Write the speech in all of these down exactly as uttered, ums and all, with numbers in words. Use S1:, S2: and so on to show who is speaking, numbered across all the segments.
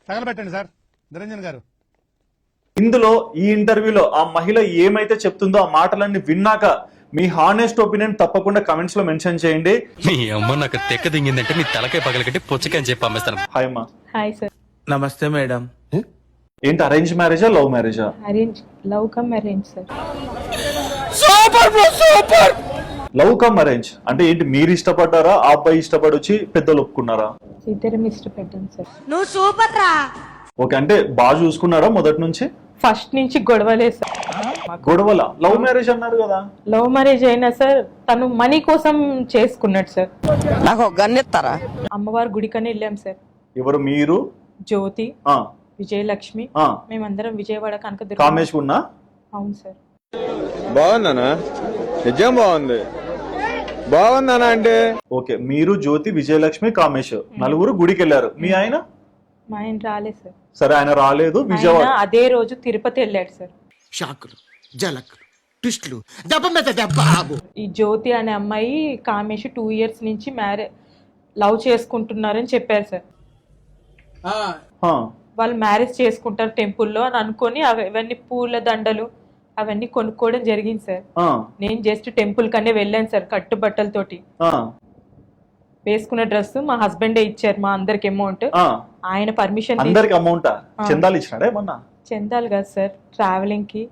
S1: తగలబెట్టండి sir Niranjan గారు.
S2: ఇందులో ఈ ఇంటర్వ్యూలో ఆ మహిళ ఏమైతే చెప్తుందో ఆ మాటలన్నీ విన్నాక మీ హానెస్ట్ ఒపీనియన్ తప్పకుండా కమెంట్స్ లో మెన్షన్ చేయండి.
S3: మీ అమ్మ నాకు తెక్క దింగిందంటే నీ తలకాయ పగలగట్టి పుచ్చకాయ చెప్పి పంపిస్తాను.
S2: హాయ్ అమ్మా.
S4: Hi sir.
S5: నమస్తే మేడం.
S2: ఏంటి అరేంజ్ మ్యారేజా లవ్ మ్యారేజా?
S4: Arrange love come arrange sir.
S5: Super bro super.
S2: Love come arrange అంటే ఏంటి, మీరు ఇష్టపడ్డారా ఆ అబ్బాయి ఇష్టపడి వచ్చి పెద్దలు ఒప్పుకున్నారా?
S4: ఇద్దరం ఇష్టపడ్డాం సార్.
S6: నువ్వు సూపర్ రా.
S2: ఓకే, అంటే బాగా చూసుకున్నారా మొదటి నుంచి?
S4: ఫస్ట్ నుంచి గొడవలే సార్.
S2: గొడవల లవ్ మ్యారేజ్ అన్నారు కదా.
S4: లవ్ మ్యారేజ్ అయినా సార్ తను మనీ కోసం చేసుకున్నాడు సార్.
S6: నాకు ఒక గన్ ఇస్తారా?
S4: అమ్మవారి గుడికని వెళ్ళాం సార్.
S2: ఎవరు మీరు?
S4: జ్యోతి,
S2: ఆ
S4: విజయలక్ష్మి,
S2: ఆ
S4: మేమందరం విజయవాడ కనక.
S2: కామేష్ ఉన్నా?
S4: అవును సార్.
S5: బాగుందనా? నిజం బాగుంది. బాగుందనా అంటే
S2: ఓకే, మీరు జ్యోతి విజయలక్ష్మి కామేష్ నలుగురు గుడికి వెళ్ళారు. మీ ఆయన?
S4: మా ఆయన రాలేదు సార్.
S2: సరే, ఆయన రాలేదు. విజయవాడ
S4: ఆయన అదే రోజు తిరుపతి వెళ్ళాడు సార్.
S7: షాకులు జలకులు ట్విస్టులు దెబ్బ మీద దెబ్బ.
S4: ఈ జ్యోతి అనే అమ్మాయి కామేష్ టూ ఇయర్స్ నుంచి మ్యారేజ్ లవ్ చేసుకుంటున్నారని చెప్పారు సార్.
S2: ఆ,
S4: వాళ్ళు మ్యారేజ్ చేసుకుంటారు టెంపుల్లో అని అనుకొని అవి అవన్నీ పూల దండలు అవన్నీ కొనుక్కోవడం జరిగింది సార్.
S2: ఆ,
S4: నేను జస్ట్ టెంపుల్ కనే వెళ్ళాను సార్ కట్టుబట్టలతోటి.
S2: ఆ,
S4: వేసుకున్న డ్రెస్ మా హస్బెండే ఇచ్చారు మా అందరికి అమౌంట్.
S2: ఆ.
S4: ఆయన పర్మిషన్
S2: అందరికి అమౌంటా? చందాలు ఇచ్చినాడా ఏమన్నా?
S4: చెందాలి కదా సార్ ట్రావెలింగ్ కి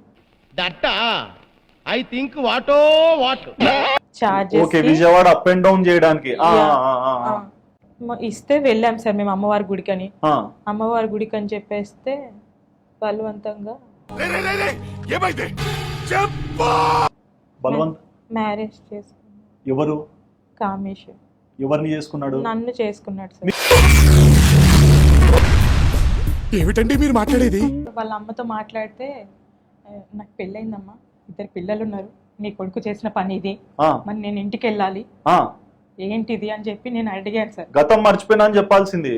S1: ఐ థింక్ వాటో what
S4: charges
S2: okay, Vijayawada up and down చేయడానికి. ఆ, ఆ, ఆ, ఆ.
S4: ఇస్తే వెళ్ళాం సార్ మేము అమ్మవారి గుడికి అని.
S2: ఆ.
S4: అమ్మవారి గుడికి అని చెప్పేస్తే బలవంతంగా
S2: బలవంత్
S4: మ్యారేజ్ చేసుకున్నాడు.
S2: ఎవరు?
S4: కామేష్
S2: ఎవరిని చేసుకున్నాడు?
S4: నన్ను చేసుకున్నాడు సార్.
S7: ఏమిటండి మీరు మాట్లాడేది?
S4: వాళ్ళ అమ్మతో మాట్లాడితే "ఆ, నాకు పెళ్ళయిందమ్మా, ఇద్దరు పిల్లలు ఉన్నారు, నీ కొడుకు చేసిన పని ఇది,
S2: ఆ,
S4: మరి నేను ఇంటికి వెళ్ళాలి,
S2: ఆ.
S4: ఏంటిది అని చెప్పి నేను అడిగాను సార్.
S2: గతం మర్చిపోయినా అని చెప్పాల్సింది.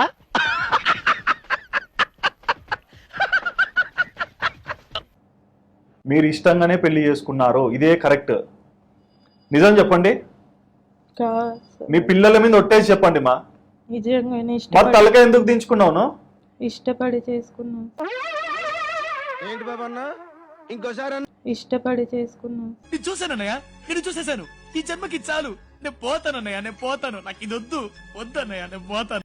S2: మీరు ఇష్టంగానే పెళ్లి చేసుకున్నారు, ఇదే కరెక్ట్. నిజం చెప్పండి.
S4: కాదు సార్,
S2: మీ పిల్లల మీద ఒట్టేసి చెప్పండి మా.
S4: నిజంగానే
S2: మరి
S4: ఇష్టపడి
S2: తలగా ఎందుకు దించుకున్నావు?
S4: ఇష్టపడి చేసుకున్నాను.
S5: ఏంటి బాబన్న ఇంకోసారి
S4: ఇష్టపడి చేసుకున్నాను.
S8: నేను చూసానన్నయ్య, నేను చూసేశాను. ఈ జన్మకి చాలు, నేను పోతానన్నయ్య, నేను పోతాను. నాకు ఇది వద్దు వద్దన్నయ్య, నేను పోతాను.